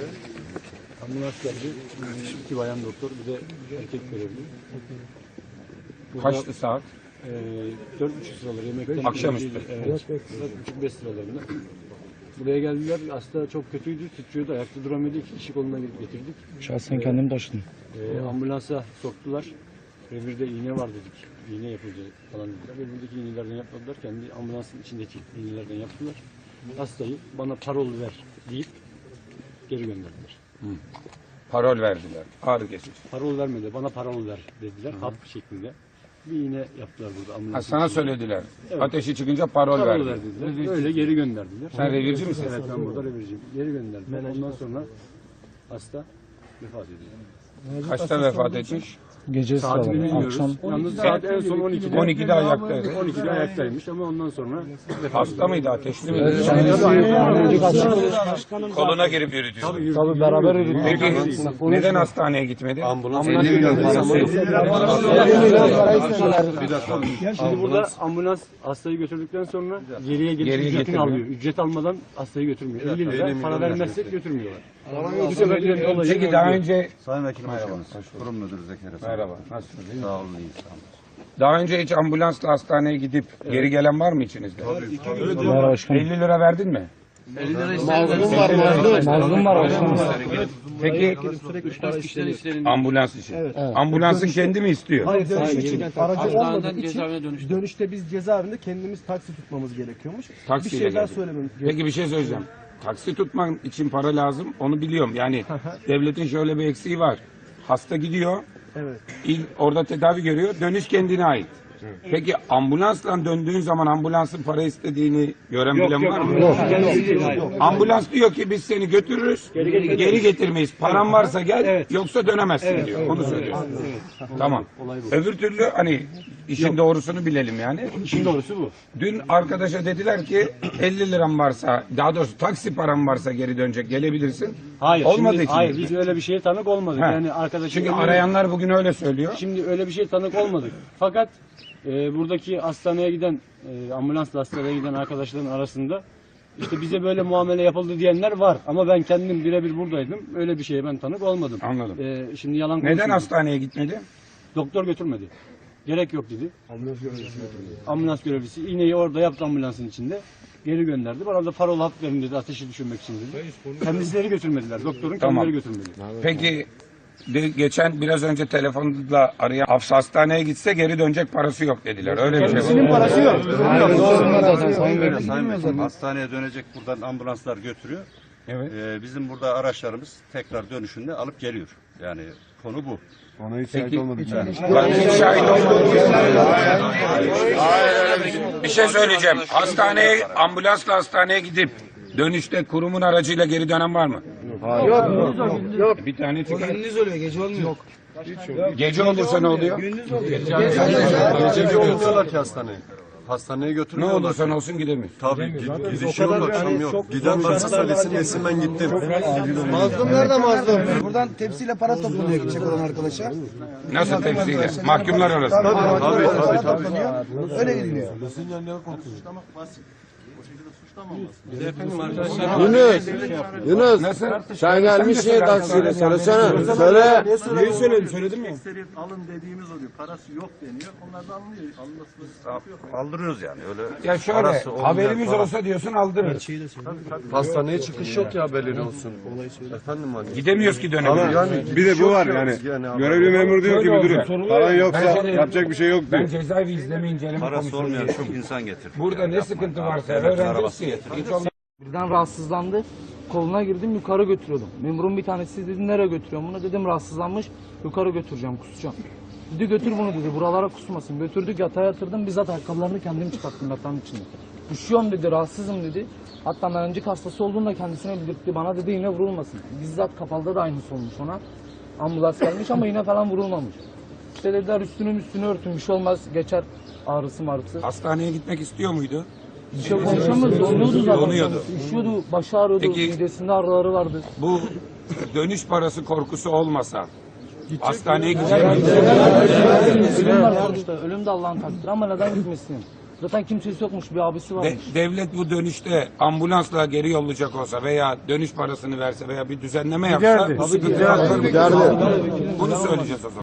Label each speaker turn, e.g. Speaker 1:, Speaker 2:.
Speaker 1: Ambulans geldi. 2 bayan doktor, bir de erkek görevli.
Speaker 2: Kaçtı saat?
Speaker 1: 4.30 sıraları yemek.
Speaker 2: Akşamüstü.
Speaker 1: Evet. 4.30-5 sıralarında. Buraya geldiler. Hasta çok kötüydü. Titriyordu. Ayakta duramıyordu. 2 kişi koluna getirdik.
Speaker 3: Şahsen kendim taşıdım.
Speaker 1: Ambulansa soktular. Revirde iğne var dedik. İğne yapılacak falan dediler. Revirdeki iğnelerden yapmadılar. Kendi ambulansın içindeki iğnelerden yaptılar. Hastayı bana parol ver deyip geri gönderdiler.
Speaker 2: Parol verdiler. Ağrı kesici.
Speaker 1: Parol vermedi. Bana parol ver dediler. Hap şeklinde. Bir iğne yaptılar burada ambulansın.
Speaker 2: Sana söylediler. Evet. Ateşi çıkınca parol
Speaker 1: Parol
Speaker 2: verdiler.
Speaker 1: verdiler. Öyle geri gönderdiler.
Speaker 2: Sen revirci misin?
Speaker 1: Evet, ben burada revirciyim. Geri gönderdiler. Ondan sonra hasta vefat ediyor.
Speaker 2: Kaçta vefat etmiş?
Speaker 3: Gece
Speaker 1: Saati
Speaker 3: sıraları,
Speaker 1: bilmiyoruz.
Speaker 3: akşam.
Speaker 1: Yalnız saat en son 12'de.
Speaker 2: 12'de ayaktaydı.
Speaker 1: 12'de ayaktaymış ama ondan sonra
Speaker 2: Hasta mıydı? Ateşli miydi? Koluna girip yürütüyordu.
Speaker 3: Tabii beraber yürüdük.
Speaker 2: Peki neden hastaneye gitmedi?
Speaker 1: ambulans Şimdi burada ambulans hastayı götürdükten sonra geriye
Speaker 2: Geriye
Speaker 1: ücretini
Speaker 2: getirmiyor.
Speaker 1: alıyor. Ücret almadan hastayı götürmüyor. 50 lira para vermezsek götürmüyorlar. Bu sefer olayı
Speaker 2: Peki daha önce...
Speaker 4: Sayın Vekilim hoş geldiniz. Kurum Müdürü Zekeriya.
Speaker 2: Merhaba. Nasılsınız?
Speaker 4: Sağ olun, iyi sağ olun.
Speaker 2: Daha önce hiç ambulansla hastaneye gidip geri gelen var mı içinizde?
Speaker 3: Var başkanım.
Speaker 2: 50 lira verdin mi?
Speaker 3: Mazlum var başkanım.
Speaker 2: Peki ambulans için. Ambulansın kendi mi istiyor?
Speaker 5: Hayır, dönüş için. Aracı olmadığı için
Speaker 6: cezaevine dönüştü.
Speaker 5: dönüşte biz cezaevinde kendimiz taksi tutmamız gerekiyormuş.
Speaker 2: Taksiyle
Speaker 5: Bir şeyler
Speaker 2: geldi.
Speaker 5: söylememiz gerekiyor.
Speaker 2: Peki bir şey söyleyeceğim. Taksi tutman için para lazım. Onu biliyorum. Yani devletin şöyle bir eksiği var. Hasta gidiyor.
Speaker 5: Evet.
Speaker 2: Orada tedavi görüyor. Dönüş kendine ait. Peki ambulansla döndüğün zaman ambulansın para istediğini gören bilen var mı? Ambulans diyor ki biz seni götürürüz. Geri getirmeyiz. Paran varsa gel. Yoksa dönemezsin diyor. Onu söylüyor. Tamam. Öbür türlü hani işin doğrusunu bilelim yani.
Speaker 1: İşin doğrusu bu.
Speaker 2: Dün arkadaşa dediler ki 50 liram varsa, daha doğrusu taksi param varsa geri dönecek, gelebilirsin.
Speaker 1: Hayır.
Speaker 2: Olmadığı
Speaker 1: Şimdi,
Speaker 2: için.
Speaker 1: hayır biz öyle bir şeye tanık olmadık.
Speaker 2: He.
Speaker 1: Yani arkadaşım
Speaker 2: Çünkü arayanlar bugün öyle söylüyor.
Speaker 1: Şimdi öyle bir şey tanık olmadık. Fakat buradaki hastaneye giden, ambulansla hastaneye giden arkadaşların arasında işte bize böyle muamele yapıldı diyenler var. Ama ben kendim birebir buradaydım. Öyle bir şeye ben tanık olmadım.
Speaker 2: Anladım.
Speaker 1: Şimdi yalan
Speaker 2: Neden
Speaker 1: konuşuyorum.
Speaker 2: hastaneye gitmedi?
Speaker 1: Doktor götürmedi. Gerek yok dedi. Ambulans görevlisi iğneyi orada yaptı ambulansın içinde. Geri gönderdi. Bana da parol hap verin dedi ateşi düşürmek için dedi. Kendisileri götürmediler. Doktorun
Speaker 2: Tamam.
Speaker 1: kendileri götürmedi.
Speaker 2: Peki geçen biraz önce telefonla arayan Hafsa hastaneye gitse geri dönecek parası yok dediler. Öyle bir şey
Speaker 1: Kendisinin
Speaker 2: var.
Speaker 1: parası yok.
Speaker 4: Sayın Vekilim hastaneye dönecek buradan ambulanslar götürüyor.
Speaker 2: Evet.
Speaker 4: Bizim burada araçlarımız tekrar dönüşünde alıp geliyor. Yani konu bu.
Speaker 7: Ona hiç şahit olmadık.
Speaker 2: Ben hiç şahit olmadım. Bir şey söyleyeceğim. Ambulansla hastaneye gidip dönüşte kurumun aracıyla geri dönen var mı? Yok. Bir tane çıkar.
Speaker 6: Gündüz oluyor, gece olmuyor. Yok.
Speaker 2: Gece olursa ne oluyor?
Speaker 7: Gece götürüyorlar ki hastaneye. Hastaneye
Speaker 2: Ne
Speaker 7: götürmüyorlar.
Speaker 2: olursa olsun gidemiyor.
Speaker 7: Tabii gidiş yok, akşam yok. Giden varsa söylesin yesin, ben gittim.
Speaker 6: Mazlum nerede mazlum? Buradan tepsiyle para toplanıyor gidecek olan arkadaşa.
Speaker 2: Nasıl tepsiyle? Mahkumlar arasında.
Speaker 7: Tabii.
Speaker 6: Öyle gidiliyor.
Speaker 8: Yunus,
Speaker 2: Nasıl?
Speaker 8: sen gelmiş niye taksiyle söylesene. Söyle.
Speaker 1: Neyi söyledim? Söyledin mi?
Speaker 9: Alın dediğimiz oluyor. Parası yok deniyor. Onlar da anlıyor. Alınmasında sıkıntı yok.
Speaker 4: Aldırıyoruz yani öyle.
Speaker 2: Ya şöyle
Speaker 4: Parası olmayan
Speaker 2: haberimiz
Speaker 4: para.
Speaker 2: olsa diyorsun aldırırız.
Speaker 7: Hastaneye çıkış yok ya belli olsun. Efendim hani.
Speaker 2: Gidemiyoruz ki dönemiyoruz.
Speaker 7: Bir de bu var yani. Görevli memur diyor ki müdürüm. Paran yoksa yapacak bir şey yok
Speaker 2: Ben
Speaker 7: diyor.
Speaker 2: cezaevi izleme inceleme
Speaker 4: Parası
Speaker 2: komisyonu
Speaker 4: olmayan
Speaker 2: üyesiyim.
Speaker 4: çok insan getirdik.
Speaker 2: Burada ne sıkıntı varsa öğreneceğiz ki. Hiç olmaz.
Speaker 3: Birden rahatsızlandı. Koluna girdim yukarı götürüyordum. Memurun bir tanesi dedi nereye götürüyorum bunu, dedim rahatsızlanmış, yukarı götüreceğim, kusacağım. Dedi götür bunu dedi, buralara kusmasın. Götürdük yatağa yatırdım, bizzat ayakkabılarını kendim çıkarttım yatağın içinde. Üşüyorum dedi, rahatsızım dedi. Hatta menencik hastası olduğunu da kendisine bildirtti. Bana dedi iğne vurulmasın. Bizzat kapalıda da aynısı olmuş ona. Ambulans gelmiş ama iğne falan vurulmamış. İşte dediler üstünü örtün, bir şey olmaz, geçer ağrısı marısı.
Speaker 2: Hastaneye gitmek istiyor muydu?
Speaker 3: Bir şey konuşamıyordu, donuyordu zaten.
Speaker 2: Donuyordu.
Speaker 3: Üşüyordu, başı ağrıyordu,
Speaker 2: Peki-
Speaker 3: midesinde ağrıları vardı.
Speaker 2: Bu dönüş parası korkusu olmasa hastaneye gidecek miydi?
Speaker 3: Ölüm var sonuçta, ölüm de Allah'ın takdiri ama neden gitmesin? Zaten kimsesi yokmuş, bir abisi varmış.
Speaker 2: Devlet bu dönüşte ambulansla geri yollayacak olsa veya dönüş parasını verse veya bir düzenleme yapsa bu sıkıntı kalkar mı? Bunu söyleyeceğiz o zaman.